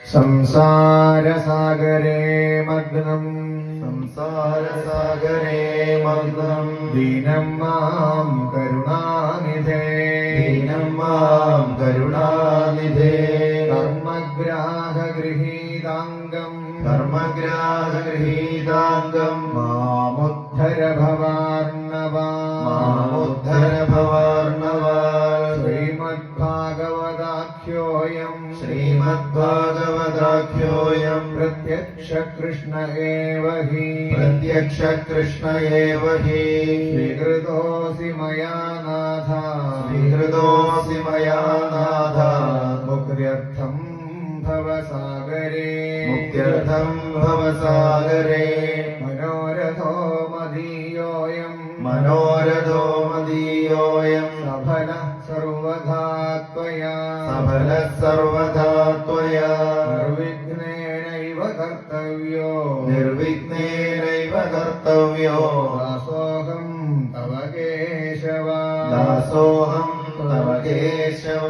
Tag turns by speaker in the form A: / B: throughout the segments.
A: संसारसागरे मग्नं दीनं मां करुणानिधे कर्मग्राहगृहीताङ्गं मामुद्धर भवार्णवा श्रीमद्भागवताख्योऽयं प्रत्यक्ष कृष्ण एव हि स्वीकृतोऽसि मया नाथ मुक्त्यर्थं भवसागरे मनोरथो मदीयोऽयं सफलः सर्वथा त्वया निर्विघ्नेनैव कर्तव्यो दासोऽहं तव केशव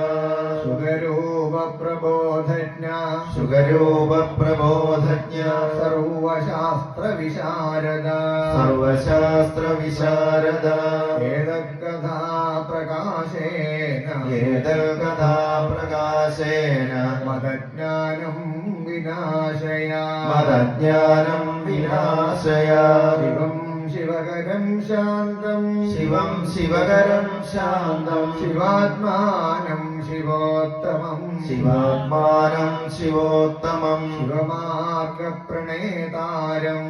A: शुगरूपप्रबोधज्ञ सर्वशास्त्रविशारदा एतत्कथा प्रकाशेन मदज्ञानं विनाशय शिवं शिवकरं शान्तं शिवात्मानं शिवोत्तमं शिवमार्गप्रणेतारं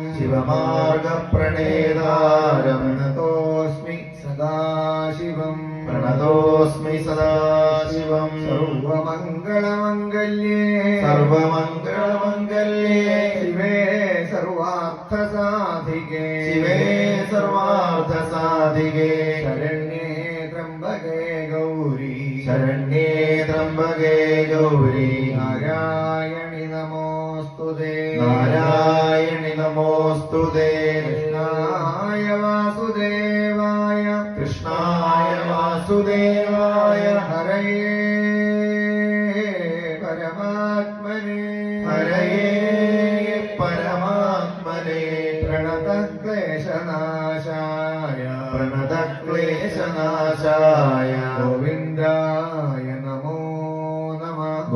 A: प्रणतोऽस्मि सदाशिवं सर्वमङ्गलमङ्गल्ये शिवे सर्वार्थसाधिके शरण्ये त्र्यम्बके गौरी नारायणि नमोऽस्तुते कृष्णाय वासुदेवाय हरये परमात्मने प्रणतक्लेशनाशाय गोविन्दाय नमो नमः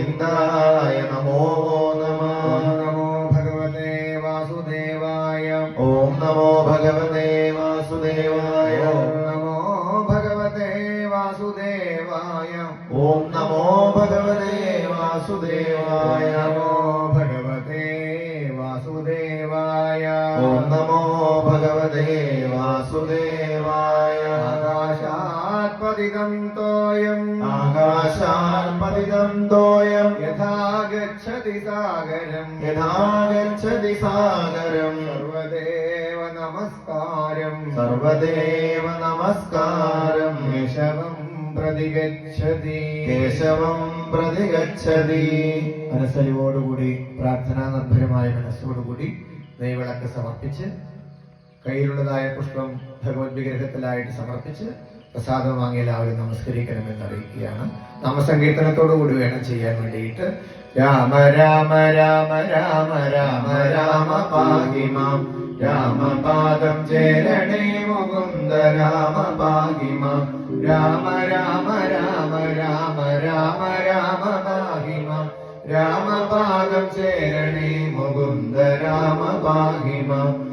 A: नमो भगवते वासुदेवाय नमो भगवते वासुदेवाय आकाशात्पतितं तोयं यथा गच्छति सागरं सर्वदेव नमस्कारं केशवं प्रतिगच्छति മനസ്സലിവോടുകൂടി പ്രാർത്ഥനാനിർഭരമായ മനസ്സോടുകൂടി നെയ്വിളക്ക് സമർപ്പിച്ച് കയ്യിലുള്ളതായ പുഷ്പം ഭഗവത് വിഗ്രഹത്തിലായിട്ട് സമർപ്പിച്ച് പ്രസാദം വാങ്ങി എല്ലാവരും നമസ്കരിക്കണമെന്ന് അറിയിക്കുകയാണ്. നാമസങ്കീർത്തനത്തോടുകൂടി വേണം ചെയ്യാൻ വേണ്ടിയിട്ട്. രാമ രാമ രാമ രാമ രാമ രാമ പാഹി മാം രാമപാദം ചേരണേ മുകുന്ദ രാമ പാഹി മാം രാമ രാമ രാമ രാമ രാമ രാമ പാഹി മാം രാമപാദം ചേരണേ മുകുന്ദ രാമ പാഹി മാം